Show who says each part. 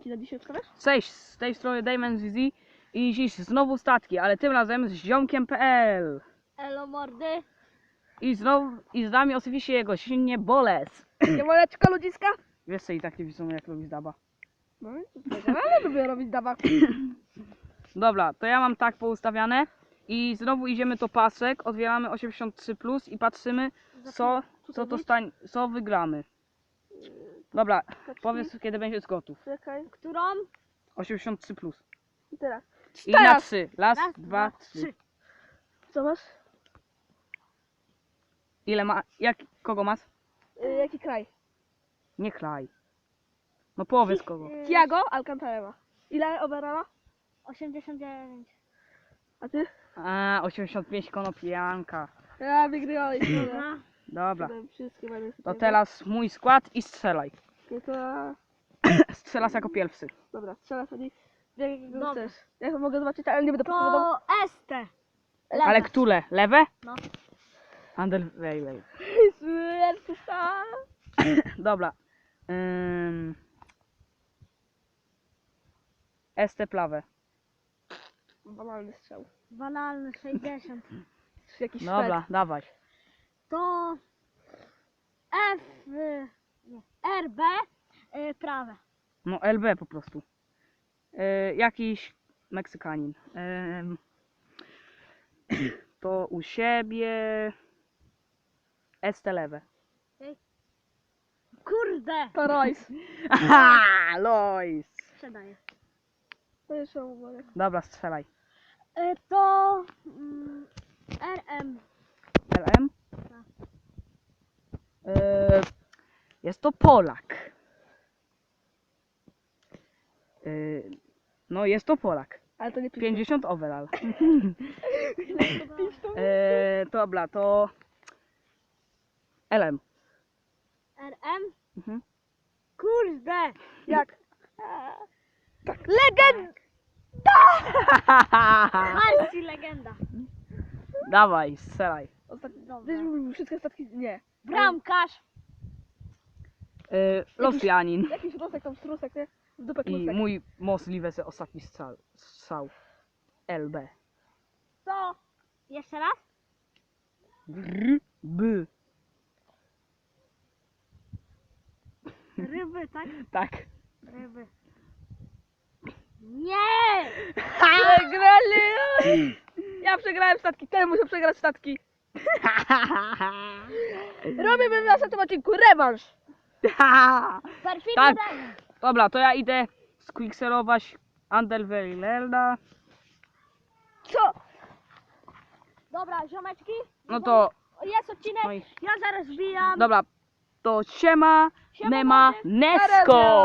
Speaker 1: statki na dzisiaj wstawiasz?
Speaker 2: Cześć, z tej strony Damon ZZ i dziś znowu statki, ale tym razem z ziomkiem.pl.
Speaker 3: Elo mordy.
Speaker 2: I z nami oczywiście jego silnie Boles.
Speaker 1: Siemaneczko ludziska.
Speaker 2: Wiesz co i tak nie widzą jak robić daba.
Speaker 1: No ale lubię robić dawak.
Speaker 2: Dobra, to ja mam tak poustawiane i znowu idziemy do pasek, otwieramy 83+ i patrzymy co wygramy. Dobra, powiedz kiedy będziesz gotów.
Speaker 1: Czekaj.
Speaker 3: Którą?
Speaker 1: I
Speaker 2: 83+.
Speaker 1: teraz.
Speaker 2: I na 3. Raz,
Speaker 3: Raz,
Speaker 2: dwa,
Speaker 3: dwa,
Speaker 2: 3.
Speaker 1: Co masz?
Speaker 2: Ile ma? Kogo masz?
Speaker 1: Jaki kraj?
Speaker 2: Nie klaj. No powiedz kogo.
Speaker 1: Thiago Alcantara. Ile overalla?
Speaker 3: 89.
Speaker 1: A ty?
Speaker 2: 85 konopianka.
Speaker 1: Ja wygrywałeś.
Speaker 3: Dobra.
Speaker 2: Dobra.
Speaker 1: Wszystkie będę
Speaker 2: To teraz mój skład i strzelaj.
Speaker 1: No to...
Speaker 2: Strzelasz jako pierwszy.
Speaker 1: Dobra, strzela sobie. Jakiego
Speaker 3: Dobra.
Speaker 1: chcesz? Ja mogę zobaczyć, ale nie będę podpowiadał.
Speaker 3: To ST.
Speaker 2: Ale które? Lewe?
Speaker 3: No.
Speaker 2: Andel, wej. Dobra. ST plawe.
Speaker 1: Banalny strzał.
Speaker 3: Banalny 60.
Speaker 1: Jakiś
Speaker 2: Dobra, dawaj.
Speaker 3: To F. Nie. RB. Prawe.
Speaker 2: No LB po prostu. Jakiś Meksykanin. To u siebie ST lewe.
Speaker 3: Kurde.
Speaker 1: To Royce.
Speaker 2: Aha, Lois.
Speaker 3: Sprzedaję.
Speaker 1: To jeszcze mówię.
Speaker 2: Dobra, strzelaj.
Speaker 3: To RM.
Speaker 2: LM? Jest to Polak. No jest to Polak.
Speaker 1: Ale to nie
Speaker 2: 50 overall. Dobra, to LM.
Speaker 3: RM.
Speaker 2: Mhm.
Speaker 3: Kurde.
Speaker 1: Jak? Legend!
Speaker 3: Marci legenda.
Speaker 2: Dawaj, strzelaj.
Speaker 3: Dobra.
Speaker 1: Wiesz, wszystkie statki... Nie.
Speaker 3: Bramkarz.
Speaker 2: Rosjanin.
Speaker 1: Jakiś rusek tam strusek, nie? W dupę
Speaker 2: I
Speaker 1: klusek.
Speaker 2: mój możliwy ostatni strzał. LB.
Speaker 3: To jeszcze raz.
Speaker 2: B.
Speaker 3: Ryby, tak?
Speaker 2: Tak.
Speaker 3: Ryby. Nie!
Speaker 1: Przegrali! Ja przegrałem statki, ten muszę przegrać statki. Robimy w następnym odcinku rewanż.
Speaker 3: Perfidny
Speaker 2: Tak.
Speaker 3: rewanż.
Speaker 2: Dobra, to ja idę squickserować Andelweilerda.
Speaker 1: Co?
Speaker 3: Dobra, ziomeczki.
Speaker 2: No to,
Speaker 3: Jest odcinek.
Speaker 2: no i,
Speaker 3: Ja zaraz wbijam.
Speaker 2: dobra, to siema,
Speaker 3: Siema,
Speaker 2: Nema,
Speaker 3: mordy.
Speaker 2: Nesko!